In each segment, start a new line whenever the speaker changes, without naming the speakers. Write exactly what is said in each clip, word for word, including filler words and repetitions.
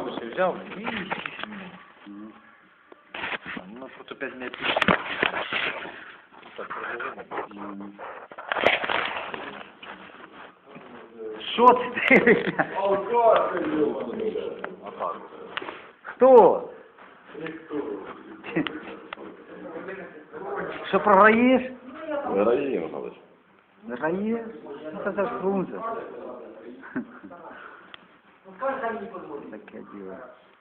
Взял и... Ну, тут опять не опишешь. Так, продолжим. Что ты дивишься? Хто? Що програєш?
Виграє, Михайлович.
Програєш? Ну, це ж Фрунзе. Таке діло.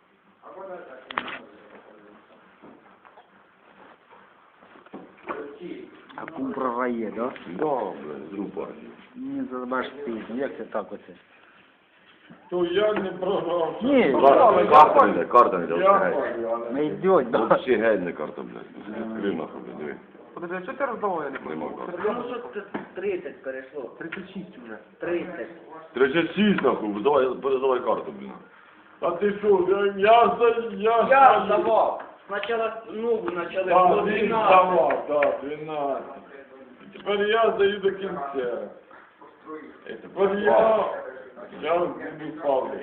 А кум програє, да?
Да, блядь, з група.
Ні, забаш ти, як це так оце?
То я не програв.
Ні,
Карта не, карта не,
Я
геть.
програв.
не йдеть, да?
Вообще геть не карта, блядь. Відкрив нахуй, блядь, диви.
Подожди, а що ти роздавав, я не
Нема
пам'ятаю?
карти.
Ну що це тридцять перейшло?
тридцять шість вже.
тридцять.
тридцять шість нахуй, давай, передавай карту, блін.
А ти що, я, я за... Я,
Я здавав. Спочатку ногу почали
Так,
було
він
дванадцять.
здавав, так, дванадцять. І тепер я здаю до кінця. І тепер я... Я буду ставлю.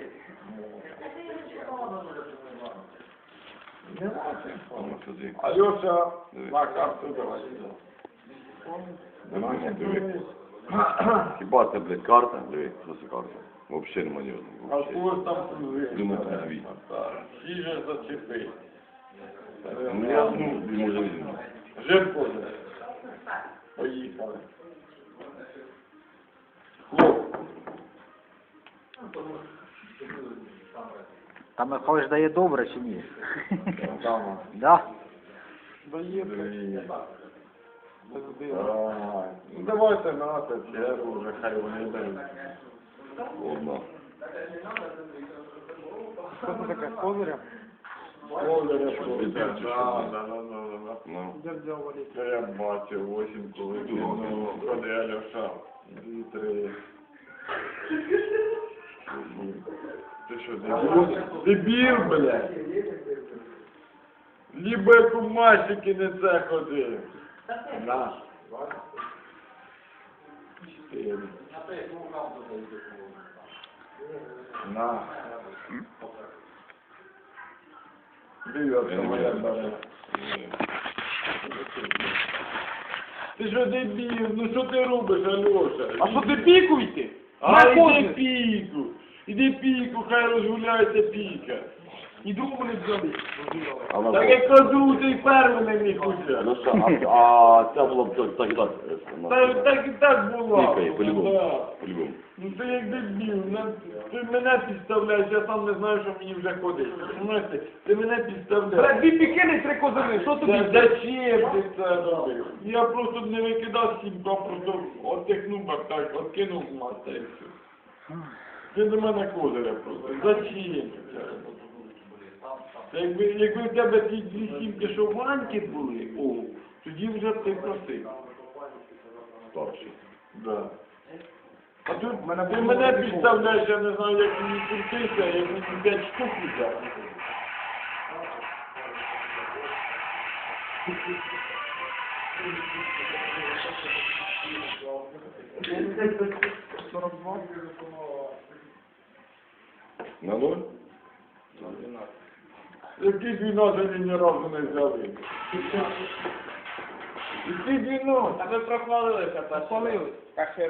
А ну сюди.
Альоша,
Диви.
на карту давай.
Нема, ні, диви. Хіба це, блядь, карта? Диви, що це карта? Вообще нема ні
А
одного.
в когось там служив.
Думаю, це дві.
Всі же зачепи.
Ну, я, ну, може, візьму.
Жирко же. Поїхали. Хлоп.
Там Михайлович дає добре чи ні?
Там.
Да?
Дає. Давай. Ну давайте на це чергу вже, хай вони дають.
Одна.
Що це таке, з козиря?
Колери
Щось
просто.
відбив, чи що?
Да, да, да, да, да.
Ну.
Де взяв валіт?
Це я бачив, восім коли ну, ходи Альоша. Дві, три. Ти що, дебіл? Дебіл, блядь? Лібо як у мальчики не це ходив. На. Чотири. На. Дев'ятка моя бере. Ти що дебіл? Ну що ти робиш, Альоша?
А що ти пікуйте?
А
На
іди
козир!
піку! Іди піку, хай розгуляється піка.
І другу не взяли.
А на
Так як кажу, ти й перший не міг уже.
Ну що, а, а це було б так, так і так. е, на-
Так, так і так було.
Пікає, по-любому.
Да.
По-любому.
Ну ти як дебіл, на- ти мене підставляєш, я сам не знаю, що мені вже ходить. Понимаєте? Ти мене
Бля,
підставляєш.
дві пікини і три козини, що тобі?
Та зачем ти це робив? Я просто не викидав сімку, а просто отдихнув бак так, откинув мати і все. Ти до мене козиря просто. Зачем ти це робив? Та Якби, якби в тебе ті дві сімки, що ваньки були, о, тоді вже б ти просив.
Старший.
Да. А тут ти мене підставляєш, я не знаю, як мені крутися, як мені п'ять штук взяти.
сорок два.
На ноль?
Які двінадцять ні разу не взяли. Які двінадцять?
Та ви прохвалилися,
Спалили.